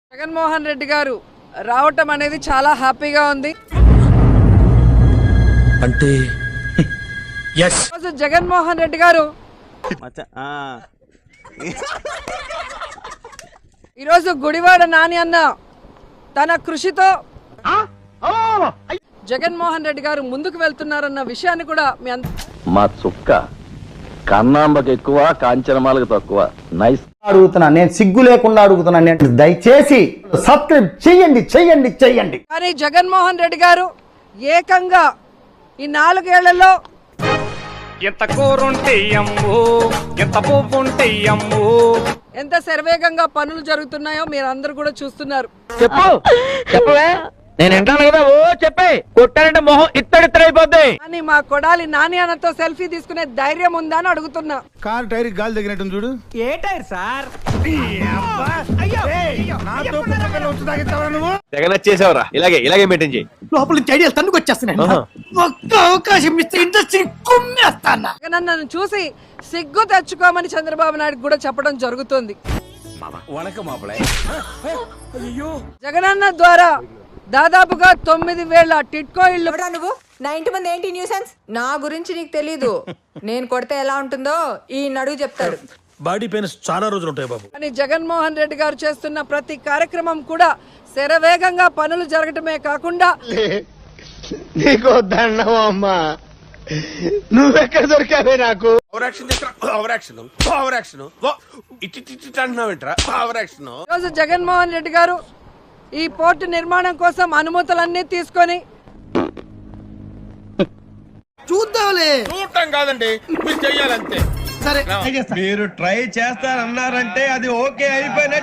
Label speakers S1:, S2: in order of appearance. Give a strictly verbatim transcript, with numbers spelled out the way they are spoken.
S1: జగన్మోహన్ రెడ్డి గారు రావటం అనేది చాలా హ్యాపీగా ఉంది.
S2: అంటే ఎస్
S1: రోజు జగన్మోహన్ రెడ్డి గారు ఈరోజు గుడివాడ నాని అన్న తన కృషితో జగన్మోహన్ రెడ్డి గారు ముందుకు వెళ్తున్నారన్న విషయాన్ని కూడా మీ అంత
S3: మా చుక్క కన్నాంబకి ఎక్కువ కాంచనమాలకు తక్కువ. నైస్.
S4: అడుగుతున్నా, నేను సిగ్గు లేకుండా అడుగుతున్నా, నేను దయచేసి సబ్స్క్రైబ్ చెయ్యండి చెయ్యండి చెయ్యండి.
S1: కానీ జగన్మోహన్ రెడ్డి గారు ఏకంగా ఈ నాలుగేళ్లలో
S5: ఎంత కూరుంటే అమ్ము, ఎంత పువ్వుంటే అమ్ము,
S1: ఎంత శరవేగంగా పనులు జరుగుతున్నాయో మీరు అందరూ కూడా చూస్తున్నారు.
S6: చెప్పు చెప్పవే, నేను వింటాను కదా. ఓ చెప్పే, కొట్టానంటే మొహం ఇత్తడిత్తడైపోద్ది.
S1: కానీ మా కొడాలి నాని అన్నతో సెల్ఫీ తీసుకునే ధైర్యం ఉందా అని అడుగుతున్నా.
S2: కార్ టైర్ గాలి తగినట్టు చూడు.
S6: ఏ టైర్ సార్?
S5: తెగ నచ్చేసావురా. ఇలాగే ఇలాగే మెయింటైన్ చేయి.
S6: లోపల నుంచి ఐడియాలు తన్నుకు వచ్చేస్తున్నాయి. ఒక్క అవకాశం ఇస్తే ఇండస్ట్రీ కుమ్మేస్తానా.
S1: జగనన్నను చూసి సిగ్గు తెచ్చుకోమని చంద్రబాబు నాయుడు కూడా చెప్పడం జరుగుతుంది. జగనన్న ద్వారా దాదాపుగా తొమ్మిది వేల టిట్కో ఇళ్ళు.
S7: నువ్వు నా ఇంటి మంది ఏంటి న్యూసెన్స్? నా గురించి నీకు తెలీదు. నేను కొడితే ఎలా ఉంటుందో ఈ నడువు చెప్తాడు.
S2: బాడీ పెయిన్స్ చాలా రోజులు ఉంటాయి బాబు.
S1: అని జగన్మోహన్ రెడ్డి గారు చేస్తున్న ప్రతి కార్యక్రమం కూడా శరవేగంగా పనులు జరగటమే కాకుండా
S8: నీకు దండం అమ్మా, నువ్వెక్కడ దొరికావే నాకు.
S1: ఈరోజు జగన్మోహన్ రెడ్డి గారు ఈ పోర్టు నిర్మాణం కోసం అనుమతులన్నీ తీసుకొని
S6: చూద్దాంలే.
S8: చూడటం కాదండి, మీరు చెయ్యాలంతే.
S6: సరే
S8: మీరు ట్రై చేస్తారన్నారంటే అది ఓకే అయిపోయిన